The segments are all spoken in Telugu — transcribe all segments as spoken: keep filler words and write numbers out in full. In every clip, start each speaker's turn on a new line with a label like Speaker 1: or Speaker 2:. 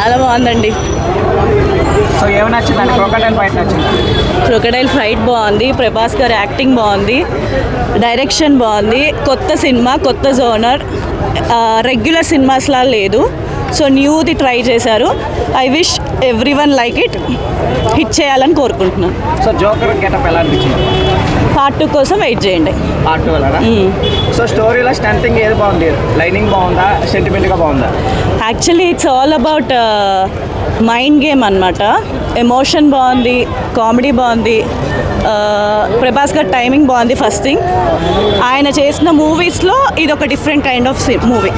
Speaker 1: చాలా బాగుందండి.
Speaker 2: సో ఏమి నచ్చిందండి? క్రొకడైల్ ఫైట్ నచ్చింది.
Speaker 1: క్రొకడైల్ ఫైట్ బాగుంది, ప్రభాస్ గారి యాక్టింగ్ బాగుంది, డైరెక్షన్ బాగుంది, కొత్త సినిమా, కొత్త జోనర్, రెగ్యులర్ సినిమాస్లా లేదు. సో న్యూది ట్రై చేశారు. I wish everyone like it, hit చేయాలని కోరుకుంటున్నాను.
Speaker 2: సో జోకర్ గెటప్ ఎలా అనిపించింది?
Speaker 1: పార్ట్ టూ కోసం వెయిట్ చేయండి.
Speaker 2: పార్ట్ టూ వెళ్ళరా? సో స్టోరీలో స్ట్రెంతింగ్ ఏది బాగుంది? లైనింగ్ బాగుందా, సెంటిమెంట్గా బాగుందా?
Speaker 1: Actually it's all about mind game అనమాట. ఎమోషన్ బాగుంది, కామెడీ బాగుంది, ప్రభాస్ గారి టైమింగ్ బాగుంది. ఫస్ట్ థింగ్, ఆయన చేసిన మూవీస్లో ఇది ఒక డిఫరెంట్ కైండ్ ఆఫ్ మూవీ.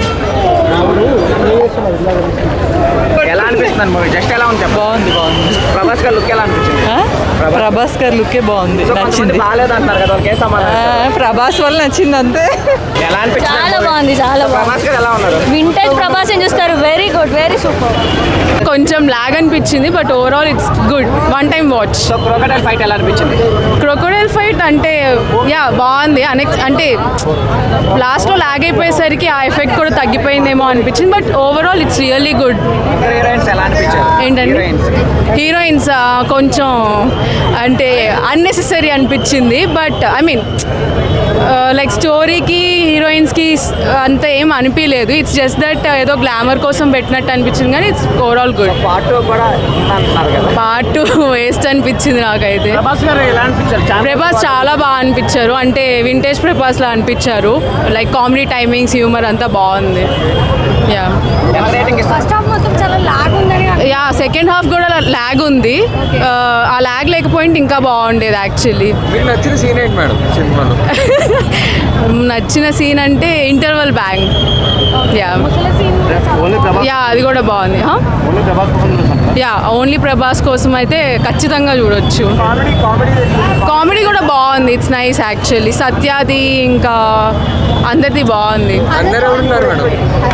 Speaker 2: ఎలా అనిపిస్తుంది మూవీ? జస్ట్ ఎలా ఉంది?
Speaker 3: బాగుంది బాగుంది
Speaker 2: ప్రభాస్ గారి లుక్ ఎలా అనిపించింది?
Speaker 3: ప్రభాస్ గారి లుకే బాగుంది, నచ్చింది.
Speaker 2: బాగాలేదు అంటారు కదా, ఒకే సమాధానం.
Speaker 3: ప్రభాస్ వల్ల నచ్చింది అంతే.
Speaker 2: ఎలా అనిపించింది?
Speaker 4: చాలా బాగుంది, చాలా బాగుంది.
Speaker 2: ప్రభాస్ గారు ఎలా ఉన్నారు?
Speaker 4: వింటేజ్ ప్రభాస్ ఏం చూస్తారు? Very good, very super.
Speaker 5: కొంచెం లాగ్ అనిపించింది, but overall it's good, one time watch.
Speaker 2: So crocodile fight ఎలా అనిపించింది?
Speaker 5: క్రొకడైల్ ఫైట్ అంటే యా బాగుంది. అనెక్స్ అంటే లాస్ట్లో లాగ్ అయిపోయేసరికి ఆ ఎఫెక్ట్ కూడా తగ్గిపోయిందేమో అనిపించింది, but overall it's really good.
Speaker 2: Heroines ఎలా అనిపించారు?
Speaker 5: ఏంటండి హీరోయిన్స్ కొంచెం అంటే అన్నెసెసరీ అనిపించింది, బట్ ఐ మీన్ లైక్ స్టోరీకి హీరోయిన్స్కి అంత ఏం అనిపించలేదు. ఇట్స్ జస్ట్ దట్ ఏదో గ్లామర్ కోసం పెట్టినట్టు అనిపించింది, కానీ it's overall good.
Speaker 2: Part two కూడా అంటున్నారు కదా.
Speaker 5: పార్ట్ టూ వేస్ట్ అనిపించింది నాకైతే.
Speaker 2: ప్రభాస్ గారు ఎలా అనిపించారు?
Speaker 5: ప్రభాస్ చాలా బాగా అనిపించారు, అంటే వింటేజ్ ప్రభాస్లా అనిపించారు. లైక్ కామెడీ టైమింగ్స్, హ్యూమర్ అంతా బాగుంది. యా
Speaker 4: ఫస్ట్ హాఫ్ మొత్తం చాలా లాగ్ ఉందని.
Speaker 5: యా సెకండ్ హాఫ్ కూడా ల్యాగ్ ఉంది. ఆ ల్యాగ్ లేకపోయింటే ఇంకా బాగుండేది యాక్చువల్లీ.
Speaker 6: మీకు నచ్చిన సీన్ ఏంటి మేడం సినిమాలో?
Speaker 5: నచ్చిన సీన్ అంటే ఇంటర్వల్ బ్యాంగ్. యా యా అది కూడా బాగుంది. యా ఓన్లీ ప్రభాస్ కోసం అయితే ఖచ్చితంగా చూడొచ్చు. కామెడీ కూడా బాగుంది, ఇట్స్ నైస్ యాక్చువల్లీ. సత్యాది ఇంకా అందరిది బాగుంది.
Speaker 6: అందరూ ఉన్నారు మేడం.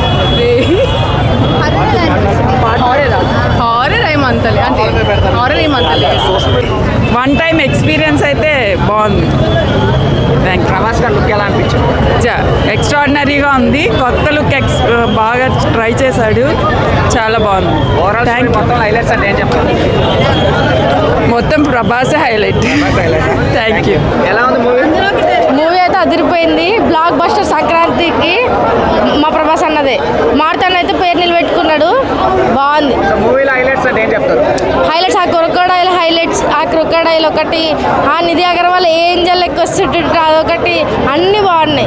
Speaker 5: హారర్ ఏమంతలే, అంటే హారర్ ఏమంతలే.
Speaker 3: వన్ టైం ఎక్స్పీరియన్స్ అయితే బాగుంది. థ్యాంక్
Speaker 2: ప్రభాస్ గారి లుక్ ఎలా అనిపించింది?
Speaker 3: ఎక్స్ట్రాడినరీగా ఉంది, కొత్త లుక్ ఎక్స్ బాగా ట్రై చేశాడు, చాలా బాగుంది.
Speaker 2: ఓవరాల్
Speaker 3: థ్యాంక్
Speaker 2: మొత్తం హైలైట్స్ అంటే ఏం చెప్తారు?
Speaker 3: మొత్తం ప్రభాసే హైలైట్. Thank you.
Speaker 2: ఎలా ఉంది మూవీ?
Speaker 4: మూవీ అయితే అదిరిపోయింది. బ్లాక్ బస్టర్ సంక్రాంతికి మా ప్రభాస్ అన్నదే. మార్తాన్ అయితే పేరు నిలబెట్టుకున్నాడు, బాగుంది.
Speaker 2: సో మూవీలో హైలైట్స్ అంటే ఏం చెప్తారు?
Speaker 4: హైలైట్స్ ఆ క్రొకడైల్ హైలైట్స్, ఆ క్రొకడైల్ ఒకటి, ఆ నిధి అగర్వాల్ ఏంజల్ లెక్క వస్తుంటే అదొకటి, అన్నీ బాగున్నాయి.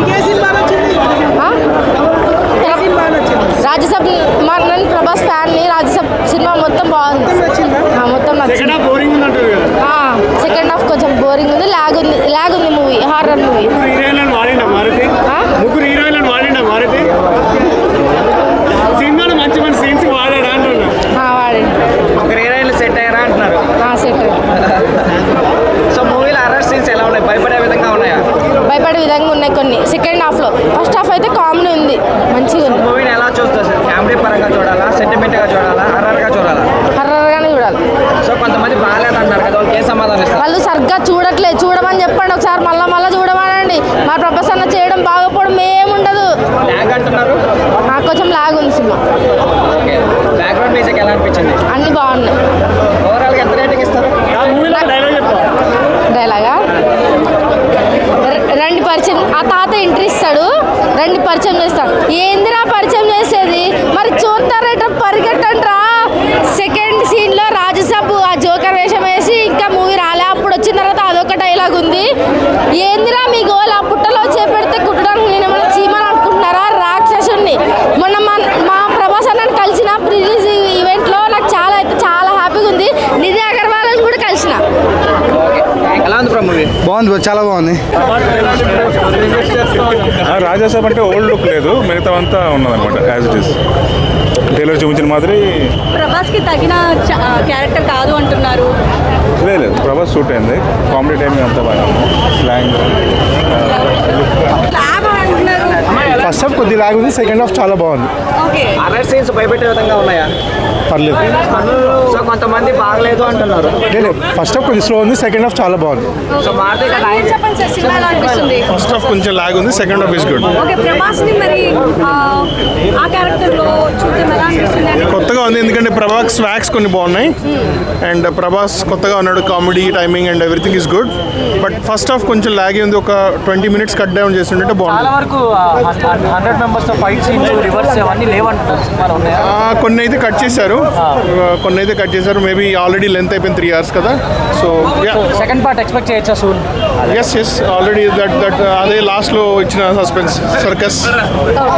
Speaker 4: రాజ్యసభ మా నేను ప్రభాస్ ఫ్యాన్ని. రాజ్యసభ సినిమా మొత్తం బాగుంది, మొత్తం నచ్చింది. సెకండ్ హాఫ్ కొంచెం బోరింగ్ ఉంది, లాగ్ ఉంది, లాగ్ ఉంది మూవీ, హారర్ మూవీ.
Speaker 7: ముగ్గురు హీరోయిన్లను వాడిండా మారుతి? సినిమాలో మంచి మంచి సీన్స్ వాడాడా అంటున్నా.
Speaker 4: వాడి
Speaker 2: ముగ్గురు హీరోయిన్లు సెట్ అయ్యారా అంటున్నారు.
Speaker 4: సెట్.
Speaker 2: సో మూవీలో హర్రర్ సీన్స్ ఎలా ఉన్నాయి? భయపడే విధంగా ఉన్నాయా?
Speaker 4: భయపడే విధంగా ఉన్నాయి కొన్ని సెకండ్ హాఫ్లో. ఫస్ట్ హాఫ్ అయితే కామెడీ ఉంది, మంచిగా ఉంది.
Speaker 2: మూవీని ఎలా చూస్తారు? ఫ్యామిలీ పరంగా చూడాలా, సెంటిమెంట్గా చూడాలా, హర్రర్గా చూడాలా?
Speaker 4: హర్రర్గానే చూడాలి.
Speaker 2: సో కొంతమంది బాగాలేదు అంటారు కదా, వాళ్ళకి ఏ సమాధానం ఇస్తారు?
Speaker 4: వాళ్ళు సరిగ్గా చూడట్లేదు, చూడమని చెప్పండి ఒకసారి, మళ్ళీ మళ్ళీ చూడమనండి. మా ప్రభాస్ అన్న చేయడం బాగోపోవడం ఏముండదు.
Speaker 2: లాగ్ అంటున్నారు.
Speaker 4: కొంచెం లాగ్ ఉంది సినిమా.
Speaker 2: ఓకే, బ్యాక్గ్రౌండ్ మ్యూజిక్ ఎలా అనిపించింది?
Speaker 4: అన్నీ బాగున్నాయి.
Speaker 2: ఓవరాల్గా ఎంత రేటింగ్ ఇస్తారు?
Speaker 4: డైలాగా రండి పరిచయం, ఆ తాత ఎంట్రీ ఇస్తాడు, రండి పరిచయం చేస్తాడు. ఏందిరా పరిచయం చేసేది? మరి చూస్తారట, పరిగెట్టండిరా. సెకండ్ సీన్లో రాజ్యసభ ఆ జోకర్ వేషం వేసి ఇంకా మూవీ రాలే, అప్పుడు వచ్చిన తర్వాత అదొక డైలాగ్ ఉంది. ఏందిరా మీ గోల్? ఆ పుట్టలో చేపెడితే కుట్టడానికి నేను ఏమైనా చీమని అనుకుంటున్నారా? రాక్షసుని. మొన్న మా మా ప్రభాస్ అన్నని కలిసిన రిలీజ్ ఈవెంట్లో నాకు చాలా అయితే చాలా హ్యాపీగా ఉంది. నిధి అగర్వాల్ని కూడా కలిసిన.
Speaker 2: ఎలా ఉంది మూవీ?
Speaker 8: బాగుంది, చాలా బాగుంది.
Speaker 6: రాజాసాబ్ అంటే ఓల్డ్ లుక్ లేదు, మిగతా అంతా ఉన్నదన్నమాట యాజ్ ఇట్ ఈస్. టైలర్ చూపించిన మాదిరి.
Speaker 1: ప్రభాస్కి తగిన క్యారెక్టర్ కాదు అంటున్నారు.
Speaker 6: లేదు లేదు, ప్రభాస్ సూట్ అయింది. కామెడీ టైమింగ్ అంతా బాగా, స్లాంగ్,
Speaker 8: ఫస్ట్ హాఫ్ కొద్దిగా లాగ్ ఉంది, సెకండ్ హాఫ్ చాలా బాగుంది.
Speaker 2: హర్రర్ సీన్స్ భయపెట్టే విధంగా ఉన్నాయా?
Speaker 8: పర్లేదు.
Speaker 2: సో కొంతమంది బాగలేదు అంటున్నారు.
Speaker 8: లేదు ఫస్ట్ హాఫ్ కొంచెం స్లో ఉంది, సెకండ్ హాఫ్ చాలా బాగుంది.
Speaker 2: సో మారుతి కదా
Speaker 9: చెప్పండి సార్ సినిమా ఎలా అనిపిస్తుంది?
Speaker 6: ఫస్ట్ హాఫ్ కొంచెం లాగ్ ఉంది, second half is good.
Speaker 9: Okay ప్రభాస్ని మరి ఆ, ఆ క్యారెక్టర్లో చూద్దాం ఎలా అనిపిస్తుంది అని
Speaker 6: కొత్తగా ఉంది ఎందుకంటే ప్రభాస్ స్వాగ్స్ కొన్ని బాగున్నాయి అండ్ ప్రభాస్ కొత్తగా ఉన్నాడు, comedy timing and everything is good. But first half కొంచెం లాగే ఉంది, ఒక ట్వంటీ మినిట్స్ కట్ డౌన్ చేస్తుంటే
Speaker 2: చాలా
Speaker 6: బాగుంది.
Speaker 2: వరకు హండ్రెడ్ మెంబర్స్ ఫైట్ సీన్స్ రివర్స్ అవన్నీ లేవంటున్నారు సినిమాలో ఉన్నాయా?
Speaker 6: ఆ, కొన్ని అయితే కట్ చేశారు, ఆ, కొన్ని అయితే కట్ చేశారు. మేబీ ఆల్రెడీ లెంత్ అయిపోయింది త్రీ అవర్స్ కదా. సో
Speaker 2: సెకండ్ పార్ట్ ఎక్స్పెక్ట్ చేయొచ్చా soon?
Speaker 6: Yes yes already that that అదే లాస్ట్లో ఇచ్చిన సస్పెన్స్ సర్కస్